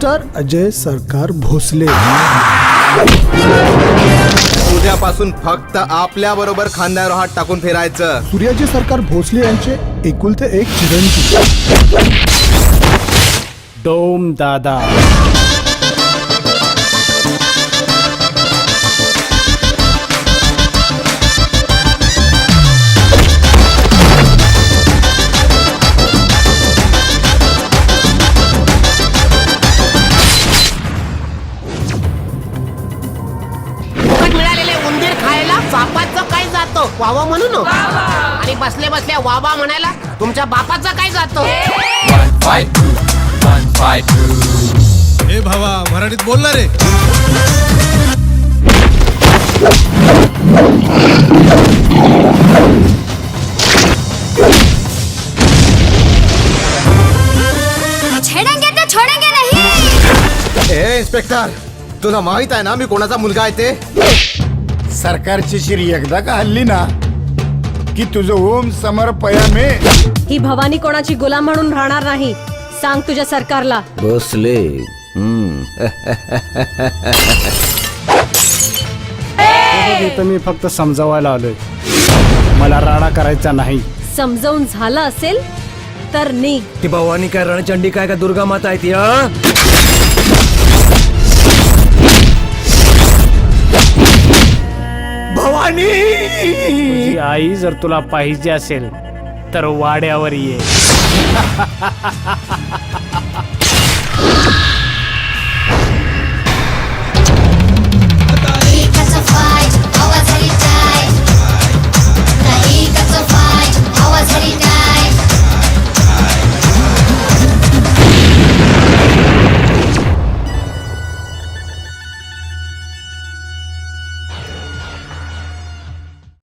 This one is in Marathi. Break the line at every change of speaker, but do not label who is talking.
मिस्टर अजय सरकार भोसले,
उद्यापासून फक्त आपल्या बरोबर खांद्यावर हात टाकून फिरायचं.
सूर्याजी सरकार भोसले यांचे एकुलते एक चिरंजीव
डोम दादा.
मिळालेले उंदीर खायला बापाचं काय जातो वावा म्हणून, आणि बसले बसल्या वावा म्हणायला तुमच्या बापाचं काय जातो.
हे भावा मराठीत बोल ना रे.
छेडेंगे तो छोडेंगे नहीं.
ए इन्स्पेक्टर, तुला माहित आहे ना मी कोणाचा मुलगा आहे ते?
सरकारची शिरी एकदा का हल्ली ना की तुझं ओम समर पयामे.
ही भवानी कोणाची गुलाम म्हणून राहणार नाही. सांग तुझ्या सरकारला.
भोसले.
इथं मी फक्त समजावायला आलोय, मला राडा करायचा नाही.
समजावून झालं असेल तर निघ.
ती भवानी काय रणचंडी काय का दुर्गा माता आहे ती? भवानी,
तुझी आई जर तुला पाहिजे असेल तर वाड्यावर ये.